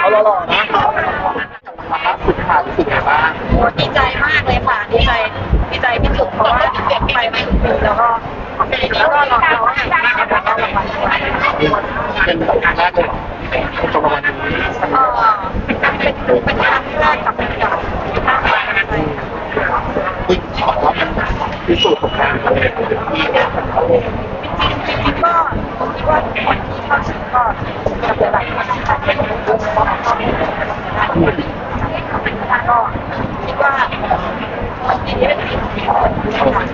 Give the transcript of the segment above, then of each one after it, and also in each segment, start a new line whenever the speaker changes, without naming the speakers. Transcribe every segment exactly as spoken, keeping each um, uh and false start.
เอาหล่อๆนะสุดท้ายรู้สึกไงบ้าง
ดีใจมากเลยค่ะดีใจดีใจที่สุดเพราะว่าไปไม่ถึงปีแล้วก็ปีนี้ก็รอเราให้ได้รับรางวัลด้วย
เป็นแบบครั้งแรกเลยเหรอจบรางวัลนี้
เออเป็นเป็นครั้งแรกกับเป็นเก่าที่ตั้งใจ
ซึ่งบอกว่ามันพิสูจน์ผลงานตัวเองที่เนี่ย
จริงจริงก็ผมคิดว่าคนที่เข้าชิงก็จะหลายคนนะคะเป็นวงบอลก็มีก็คิดว่าวันนี้เป็นสิ่งที่คนที่ทำ
นอก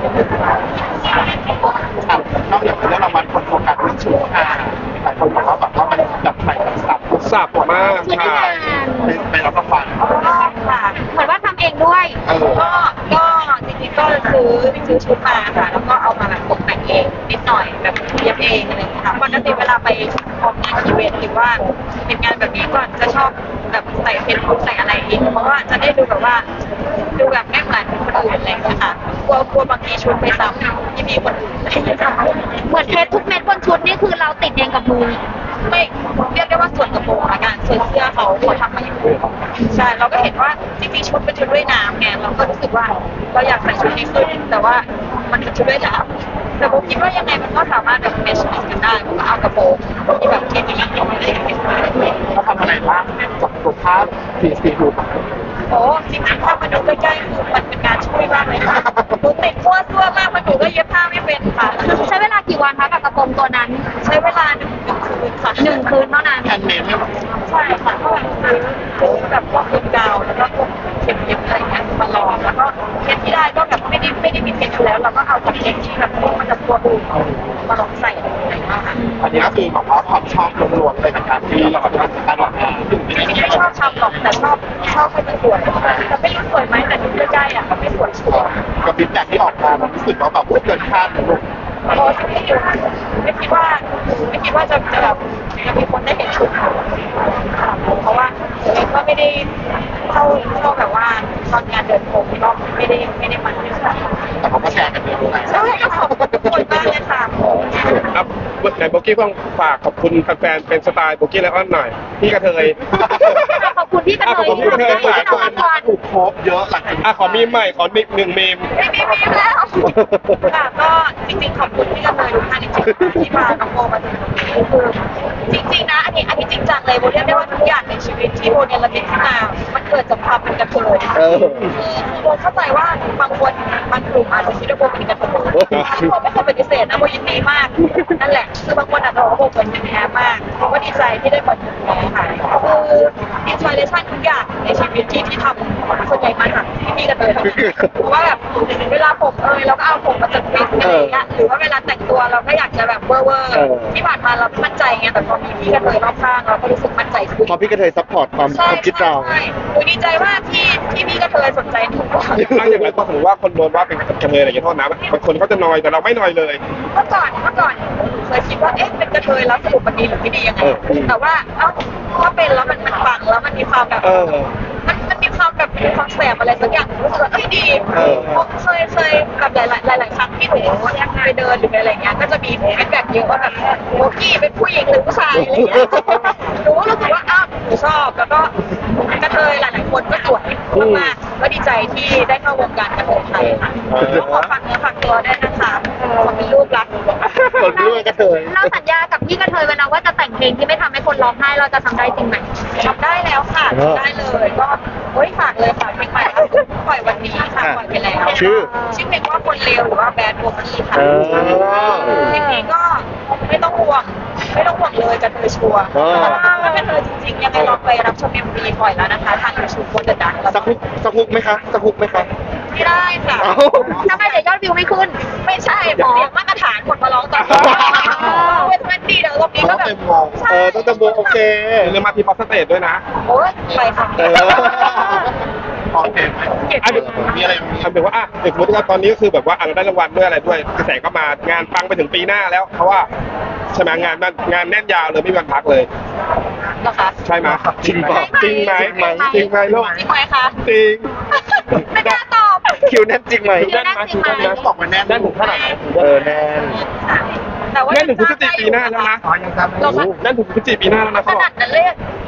จากเรื่องรางวัลคนโฟกัสเรื่องชุดค่ะหลายคนบอกว่าแบบว่ามันแบบใส่สับสับมากค่ะเป็นเป็นรับรางวัล
ค่ะ
เหมือนว่าทำเองด้วย
ก็ก็จริงๆก็ซื้อซื้อชุดมาค่ะแล้วก็เอามาแบบตกแต่งเองนิดหน่อยแบบเย็บเองอะไรอย่างเงี้ยค่ะปกติเวลาไปออกงานอีเวนต์หรือว่าเป็นงานแบบนี้ก็จะชอบแบบใส่เพชรใส่อะไรเองเพราะว่าจะได้ดูแบบว่าดูแบบไม่เหมือนคนอื่นอะไรอย่างเงี้ยค่ะกลัวกลัวบางทีชุดไปซ้ำที่มีคนอื่นอะไรอย่างเงี้ยค่ะ
เหมือนเพชรทุกเม็ดบนชุดนี่คือเราติดเองกับมือ
ไม่เรียกได้ว่าส่วนกระโปรงละกันส่วนเสื้อเขาเขาทำมาอย่างนี้ใช่เราก็เห็นว่าจริงๆชุดเป็นชุดว่ายน้ำไงเราก็รู้สึกว่าเราอยากใส่ชุดนี้ขึ้นแต่ว่ามันเป็นชุดว่ายน้ำแต่ผมคิดว่ายังไงมันก็สามารถแบบเมชกันได้ผมก็เอากระโปรงที่แบบที่มีอะไรอย่างเงี้ย
เขาทำอะไรบ้างจากตัวภาพสีสีดู
โอ้จริงๆถ้ามาดูใกล้ๆคือมันเป็นการช่วยมากเลยค่ะหนูติดขั้วซั่วมากมันหนูก็เย็บผ้าไม่เป็นค่ะ
ใช้เวลากี่วันคะกับกระโปรงตัวนั้น
ใช้เวลาหนึ่งคืนค่ะ
หนึ่งคืนเท่านั้น
แฮนด์เมดไหม
ใช่ค่ะก็แบบซื้อแบบพวกคืนกาวแล้วก็พวกเข็มเย็บอะไรเงี้ยมาลองแล้วก็เพชรที่ได้ก็แบบไม่ได้ไม่ได้มีเพชรอยู่แล้วเราก็เอาจากเพชรที่แบบมันจะตัวอื่นมาลองใส่อะไรอย่างเงี้ยค่ะ
อันนี้ก็คือแบบว่าความชอบล้วนๆเลยนะครับที่เราแบบว่าการออกงาน
จริงๆไม่ชอบทำหรอกแต่ชอบชอบให้มันสวยแต่ไม่รู้สวยไหมแต่ดูใกล้ๆอ่ะมันไม่สวยชัวร์
กับฟีดแบ็กที่ออกมามันรู้สึกว่าแบบเกินคาดเลยลูก
โอ้ไม่คิดไม่คิดว่าไม่คิดว่าจะจะแบบจะมีคนได้เห็นชุดเพราะว่าตัวเองก็ไม่ได้เข้าเข้าแบบว่าตอนงานเดินพรมก็ไม่ได้ไม่ได้มัน
แต่เขาก็แชร์กันเยอะเลย
ใช่ก็ขอบคุณทุกคนมากเลยค่ะ
ครับไหนโบกี้ต้องฝากขอบคุณแฟนๆเป็นสไตล์โบกี้ไลออนหน่อยพี่กระเทย
ขอบคุณพี่กระเทยที่ทำให้
หลายคนถูกโคบเยอะหลังจาก
อ่ะขอมีมใหม่ขอหนึ่งเมม
ไม่มีมีแล้วค่ะก็จริงๆขอบคุณพี่กระเทยทุกท่านจริงๆที่พาน้องโบมาถึงตรงนี้คือจริงๆนะอันนี้อันนี้จริงจังเลยโบเรียกได้ว่าทุกอย่างในชีวิตที่โบเนี่ยระลึกขึ้นมามันเกิดจากความเป็นกระเทยคือโบเข้าใจว่าบางคนบางกลุ่มอาจจะคิดว่าโบเป็นกระเทยโบไม่เคยปฏิเสธนะโบยินดีมากนั่นแหละคือบางคนอาจจะบอกว่าโบเหมือนเป็นแท้มากโบก็ดีใจที่ได้เหมือนเป็นแท้ค่ะคืออินสปิเรชันทุกอย่างในชีวิตที่ที่ทำส่วนใหญ่มาจากที่พี่กระเทยทำเพราะว่าแบบเวลาผมเอยเราก็เอาผมมาจัดฟิตอะไรอย่างเงี้ยหรือว่าเวลาแต่งตัวเราก็อยากจะแบบเวอร์เวอร์ที่ผ่านมาเราไม่มั่นใจไงแต่พอมีพี่กระเทยรอบข้างเราก็รู้สึกมั่นใจขึ้น
พอพี่กระเทยซัพพอร์ตความความคิดเรา
หนูดีใจว่าที่ที่พี่กระเทยสนใจหนู
อย่างไรก็สมมติว่าคนโดนว่าเป็นกระเทยอะไรอย่างเงี้ยโทษนะบางคนเขาจะนอยแต่เราไม่นอยเลย
เมื่อก่อนเมื่อก่อนเคยคิดว่าเอ๊ะเป็นกระเทยแล้วสรุปมันดีหรือไม่ดียังไงแต่ว่าเอ้าถ้าเป็นแล้วมันมันฟังแล้วมันมีความแบบมันมันมีความแบบมีความแสบอะไรสักอย่างรู้สึกว่าเอ้ยดีเคยเคยแบบหลายหลายหลายครั้งที่หนูไปเดินหรืออะไรเงี้ยก็จะมีฟีดแบ็กเยอะว่าแบบโบกี้เป็นผู้หญิงหรือผู้ชายอะไรเงี้ยหนูก็รู้สึกว่าอ้าวหนูชอบแล้วก็กระเทยหลายๆคนก็สวยมากๆก็ดีใจที่ได้เข้าวงการกระเทยไทยค่ะขอฝากเนื้อฝากตัวด้วยนะคะขอเป็นลูกรัก
คนด้วยกระเทย
เราสัญญากับพี่กระเทยไว้นะว่าจะแต่งเพลงที่ไม่ทำให้คนร้องไห้เราจะทำได้จริงไหม
ทำได้แล้วค่ะได้เลยก็โอ้ยฝากเลยค่ะเพลงใหม่ปล่อยวันนี้ค่ะปล่อยไปแล้ว
ชื่อ
ชื่อเพลงว่าคนเลวหรือว่าแบดโบกี้ค่ะเพลงนี้ก็ไม่ต้องห่วงไม่ต้องห่วงเลยกระเทยชัวร์ถ้ากระเทยจริงๆยังไงลองไปรับชมเอ็มวีปล่อยแล้วนะคะทางยูทูบโคตรดัง
สักฮุกสักฮุกไหมคะสักฮุกไหมคะ
ไม่ได้ค่ะ
ทำไมเดี๋ยวยอดวิวไม่ขึ้น
ไม่ใช่หมอมาตรฐานคนมาร้องตอนเวทมันดีเดี๋ยวตรงนี้ก็แบบ
เออต้องจำโบโอเค
เรื่องมาพีพอสเตทด้วยนะ
โอ้ยไปค่ะ
โอเค
อันนี้
มีอะไร
ทำเป็นว่าอ่ะเด็กสมมติว่าตอนนี้ก็คือแบบว่าเราได้รางวัลด้วยอะไรด้วยกระแสก็มางานปังไปถึงปีหน้าแล้วเพราะว่าใช่ไหมงานงานแน่นยาวเลยไม่มีวันพักเลย
เหรอคะ
ใช่ไหม
จริงป่ะ
จริงไหมจริงไหมลูก
จริงไหมคะ
จริง
ไม่กล้าตอบ
คิวแน่นจริงไหม
คิวแน่นจริงไหม
บอกมาแน่น
แน่นถึงขนาดไหน
เออแน่น
แต่ว่า
แน่นถึงพฤศจิกายนปีหน้าแล้วนะ
เรา
แน่นถึงพฤศจิกายนปีหน้าแล้วนะ
ขนาดนั้นเลย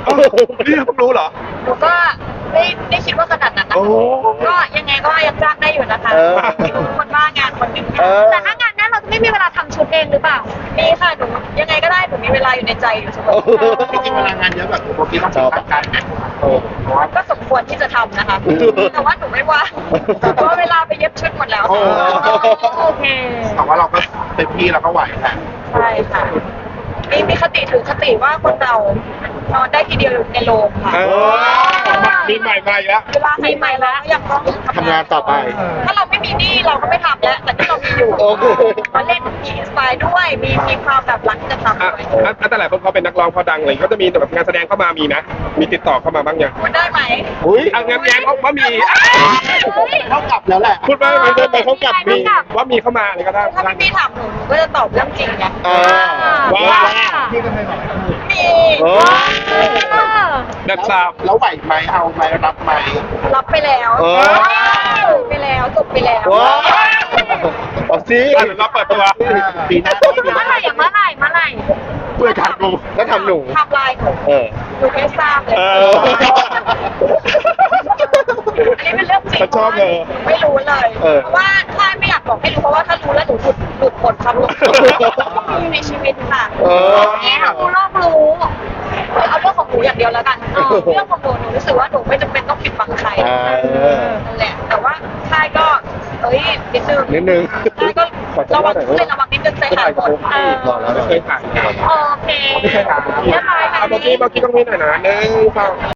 นี่เพิ่งรู้เหรอ
หนูก็ไม่ไม่คิดว่าขนาดนั้นนะ
โอ้
ก็ยังไงก็ยังจ้างได้อยู่นะคะ
เออ
คนบ้างานคนหนึ่ง
เออ
แต่ถ้างานนั้นเราจะไม่มีเวลาทำชุดเองหรือเปล่า
มีค่ะหนูยังไงก็ได้หนูมีเวลาอยู่ในใจอยู่เสมอ
จริงๆเวลางานเยอะแบบโบกี้ต้องใช้ร่างกายไหม
ก็สมควรที่จะทำนะคะ แต่ว่าหนูไม่ว่างเพราะว่าเวลาไปเย็บชุดหมดแล้ว
โอ้
โอเค
แต่ว่าเราก็เต็มที่เราก็ไหวแหละ
ใช่ค่ะมีมีคติถือคติว่าคนเรานอนได้ทีเดียวในโรงค่ะ
เออมีใหม่มาอีกแล้ว
เวลาใหม่ๆแล้วยังต้อง
ทำงานต่อไป
ถ้าเราไม่มีหนี้เราก็ไม่ทำแล้ว แต่ที่เรามีอยู่
โอเค
มาเล่นมีสไตล์ด้วย มีมีความแบบรักจะทำ
อ่ะ
ด้วย
อ่ะอ่ะแต่หลายคนเขาเป็นนักร้องพอดังเลยก็จะมีแบบงานแสดงเข้ามามีนะ มีติดต่อเข้ามาบ้างยัง
พูดได้ไหม
อุ้ย
อ่ะงานแย้มเขาว่ามี
เท่ากับแล้วแหละ
พูดไปไปไปไปเขากลับมี
เท่ากับ
ว่ามีเข้ามาอะไรก็ได้
ถ้าพี่พี่ถามหนูหนูก็จะตอบเรื่องจริงไง
อ่า
ว้าว
พี่ก็ไม่ไหว
มี
โอ้
แบบสาบ
แล้วไหวไหมเอาไหมรับไหม
รับไปแล้ว
เออ
จบไปแล้วจบไปแล้ว
ว้าวเอาสิ
อ่ะเดี๋ยวเราเปิดตัว
ปีหน้า
เมื่อไหร่อะเมื่อไหร่เมื่อไหร่
เพื่อการกู
แล้วทำหนู
ไทำลายหนู
เออ
หนูไม่ทราบเลย
เอ
เอ
อ
อ
อันนี้เป็นเรื่องจริง
ฉันชอบเลย
ไม่รู้เลย
เออ
เพราะว่าถ้าไม่อยากบอกให้รู้เพราะว่าถ้ารู้แล้วหนูหลุดหลุดหมดความหลุดมีในชีวิตค่ะ
เออ
นี่เรารู้โลกรู้
เอาเรื่องของหนูอย่างเดียวแล้วกันเออเรื่องของหนูหนูรู้สึกว่าหนูไม่จำเป็นต้องปิดบังใคร
อ่า
นั่นแหละแต่ว่าค่ายก็เอ้ยนิดนึง
นิดนึง
ค่ายก็ระวังนิดนึงระวังนิดนึงใจหายหมด
เออ
บอกแล้ว
ไม่เคยถ่าย
โอเค
ไม่เคยถ่าย
เรียบร้อยไหม
เอาเมื่อกี้เมื่อกี้ต้องมีหน่อยนะหนึ่งสอง